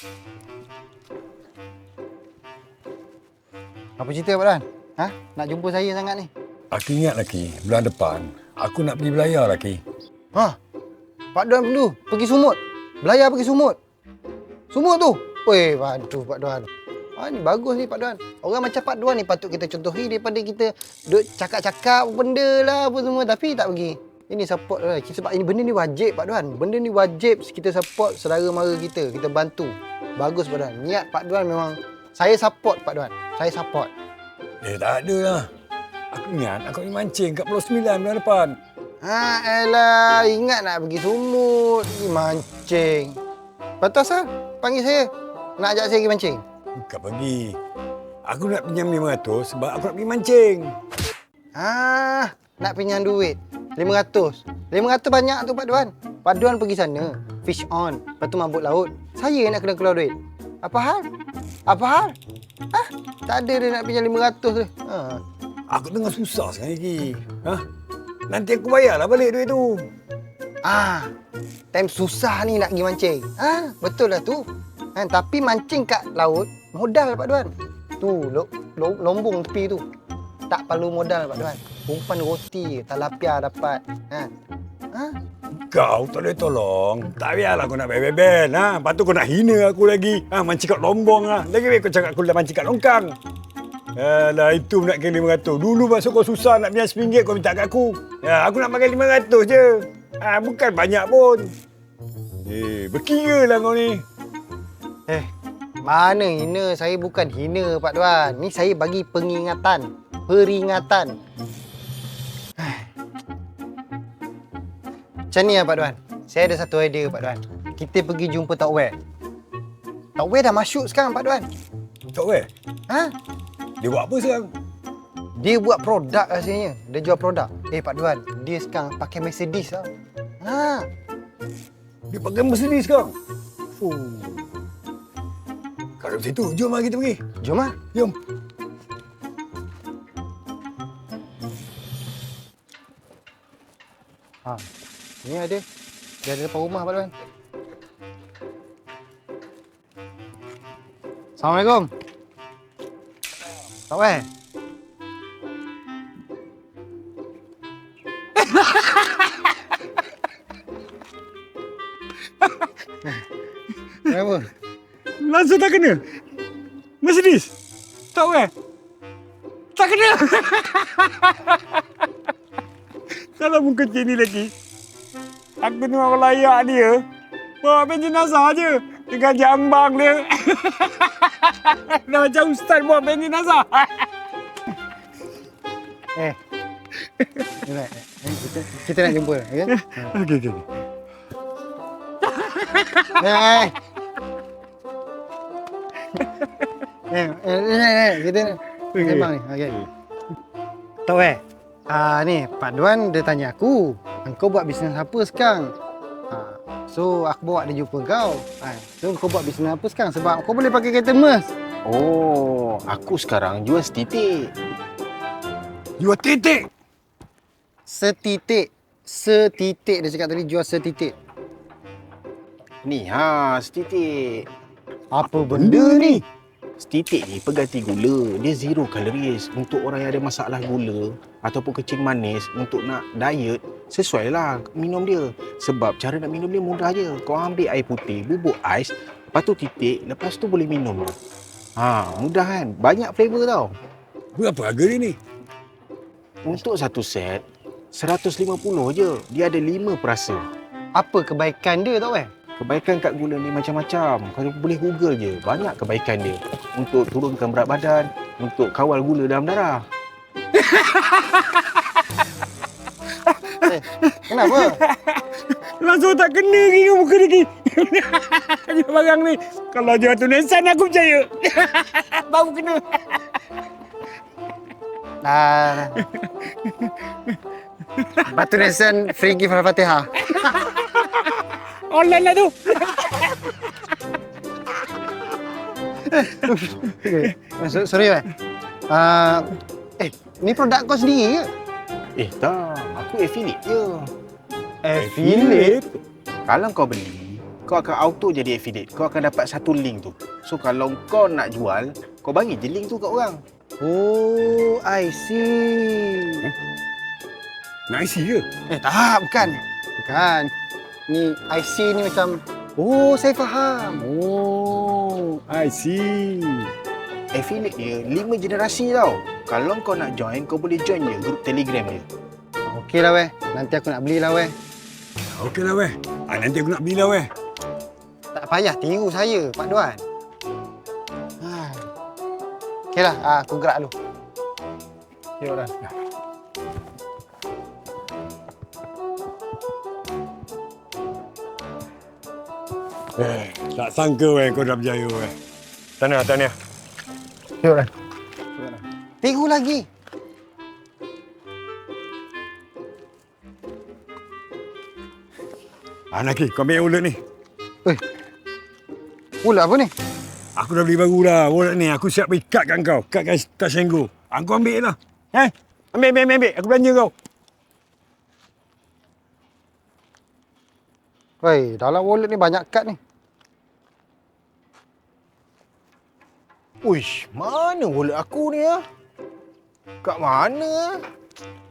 Apa cerita Pak Don? Ha? Nak jumpa saya sangat ni? Aku ingat lagi, bulan depan aku nak pergi belayar lagi. Ha? Pak Don dulu pergi Sumut. Belayar pergi Sumut. Sumut tu. Weh, aduh Pak Don. Ni bagus ni Pak Don. Orang macam Pak Don ni patut kita contohi daripada kita duk cakap-cakap benda lah apa semua tapi tak pergi. Ini support lah. Sebab ini benda ni wajib Pak Don. Benda ni wajib kita support saudara mara kita. Kita bantu. Bagus Pak Don. Niat Pak Don memang saya support Pak Don. Saya support. Tak ada lah. Aku ingat aku pergi mancing kat Pulau Sembilan bulan depan. Elah, ingat nak pergi Sumut, pergi mancing. Lepas tu asal panggil saya, nak ajak saya pergi mancing? Bukan pergi. Aku nak pinjam 500 sebab aku nak pergi mancing. Nak pinjam duit. 500. 500 banyak tu Pak Don. Pak Don pergi sana, fish on, lepas tu mabuk laut. Saya nak kena keluar duit. Apa hal? Apa hal? Tak ada dia nak pinjam 500 tu. Aku tengah susah sekarang lagi. Nanti aku bayarlah balik duit tu. Time susah ni nak pergi mancing. Betul lah tu. Tapi mancing kat laut, modal Pak Don. Tu, lombong tepi tu. Tak perlu modal Pak Don. Umpan roti, talapia dapat. Kau tak boleh tolong. Tak biarlah kau nak bel-bel. Lepas tu kau nak hina aku lagi. Mancing kat lombong lah. Lagi baik kau cakap aku dah mancing kat longkang. Alah, itu nak kena 500. Dulu masuk kau susah nak pinjam RM1 kau minta kat aku. Aku nak pakai 500 je. Bukan banyak pun. Berkira lah kau ni. Mana hina? Saya bukan hina Pak Don. Ni saya bagi pengingatan. Peringatan. Macam ni lah Pak Don. Saya ada satu idea Pak Don. Kita pergi jumpa Tok Wei. Tok Wei dah masyhur sekarang Pak Don. Tok Wei? Dia buat apa sekarang? Dia buat produk rasanya. Dia jual produk. Pak Don, dia sekarang pakai Mercedes tau. Dia pakai Mercedes sekarang? Kalau macam tu, jom lah kita pergi. Jom lah. Jom. Ni ada. Dia ada depan rumah Pak Don. Assalamualaikum. Tok Wei. Kenapa? Langsung tak kena? Mercedes? Tok Wei? Tak kena? Kalau muka kecil ni lagi, aku ni orang layak dia. Bawa ben jenazah je. Dengan jambang dia. Dah macam ustaz bawa ben jenazah. Kita nak jumpa. Okay? Okey. Kita sembang ni. Okey. Tok Wei. Ni Pak Don dia tanya aku, engkau buat bisnes apa sekarang? So aku bawa dia jumpa kau. So kau buat bisnes apa sekarang? Sebab kau boleh pakai kereta Merc. Oh, aku sekarang jual setitik. Jual titik? Setitik. Setitik dia cakap tadi jual setitik. Ni setitik. Apa benda ni? Setitik ni pengganti gula. Dia zero calories. Untuk orang yang ada masalah gula ataupun kencing manis, untuk nak diet, sesuailah minum dia. Sebab cara nak minum dia mudah je. Kau ambil air putih, bubuk ais, lepas tu titik, lepas tu boleh minum. Mudah kan? Banyak flavor tau. Berapa harga dia ni? Untuk satu set, 150 je. Dia ada 5 perasa. Apa kebaikan dia Tok Wei? Kebaikan kat gula ni macam-macam. Kau boleh Google je. Banyak kebaikan dia. Untuk turunkan berat badan, untuk kawal gula dalam darah. Kenapa? Langsung tak kena lagi ke muka lagi. Jual barang ni. Kalau jual tulisan aku percaya. Baru kena. Batu Nisan free gift Al-Fatihah. Online lah tu. Sorry Wei. Ni produk kau sendiri ke? Tak. Aku affiliate je. Affiliate? Kalau kau beli, kau akan auto jadi affiliate. Kau akan dapat satu link tu. So kalau kau nak jual, kau bagi je link tu kat orang. Oh, I see. Nak isi ke? Tak, bukan. Bukan. Ni I see ni macam, oh, saya faham. Oh, I see. Affiliate dia 5 generasi tau. Kalau kau nak join, kau boleh join je grup Telegram dia. Okeylah weh. Nanti aku nak belilah weh. Okeylah weh. Nanti aku nak belilah weh. Tak payah tiru saya, Pak Duan. Okeylah, aku gerak dulu. Ya, Ran. Tak sangka weh kau dah berjaya weh. Tahniah. Ya, Ran. Tiru lagi. Naki, kau ambil ulet ni. Ulat apa ni? Aku dah beli baru dah. Ulet ni aku siap ikatkan kau. Ikatkan tas Senggu. Kau ambil lah. Ambil. Aku belanja kau. Wei, dalam wallet ni banyak kad ni. Uish, mana wallet aku ni Kat mana